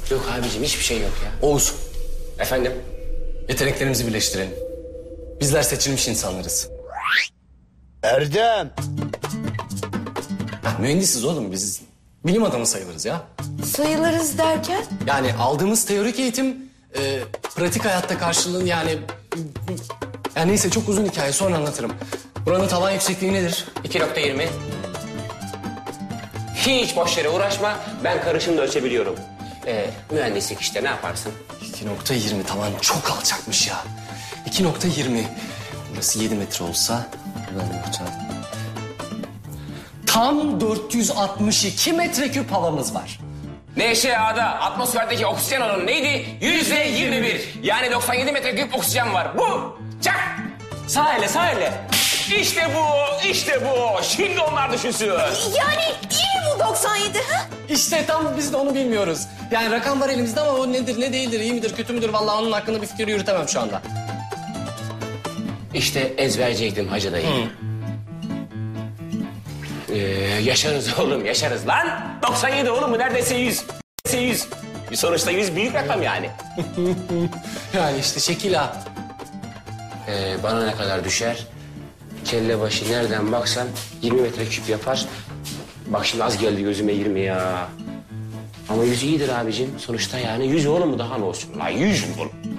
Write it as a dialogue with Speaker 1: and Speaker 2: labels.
Speaker 1: Yok abicim hiçbir şey yok ya.
Speaker 2: Oğuz,
Speaker 1: Efendim?
Speaker 2: yeteneklerimizi birleştirelim. Bizler seçilmiş insanlarız.
Speaker 3: Erdem.
Speaker 2: Ya, mühendisiz oğlum biz. Bilim adamı sayılırız ya.
Speaker 4: Sayılırız derken?
Speaker 2: Yani aldığımız teorik eğitim pratik hayatta karşılığını yani... Yani neyse çok uzun hikaye sonra anlatırım. Buranın tavan yüksekliği nedir?
Speaker 1: 2.20. Hiç boş yere uğraşma. Ben karışımda ölçebiliyorum. Mühendislik işte ne yaparsın?
Speaker 2: 2.20 tavan çok alçakmış ya. 2.20. Burası 7 metre olsa... Tam 462 metreküp havamız var.
Speaker 1: NŞA'da atmosferdeki oksijen oranı neydi? %21. Yani 97 metreküp oksijen var. Bu. Çak. Sağ elle, sağ elle. İşte bu, işte bu. Şimdi onlar düşünsün.
Speaker 4: Yani iyi mi bu 97? Ha?
Speaker 2: İşte tam biz de onu bilmiyoruz. Yani rakam var elimizde ama o nedir, ne değildir, iyi midir, kötü müdür? Vallahi onun hakkında bir fikir yürütemem şu anda.
Speaker 1: İşte ezberceydim hacı dayı. Yaşarız oğlum, yaşarız lan. 97 oğlum mu? Neredeyse 100. Neredeyse 100. Bir sonuçta 100 büyük rakam yani.
Speaker 2: Yani işte şekil ha.
Speaker 1: Bana ne kadar düşer? Kelle başı nereden baksan 20 metreküp yapar. Bak şimdi az geldi gözüme 20 ya. Ama 100 iyidir abicim. Sonuçta yani 100 oğlum mu daha ne olsun? La 100 oğlum.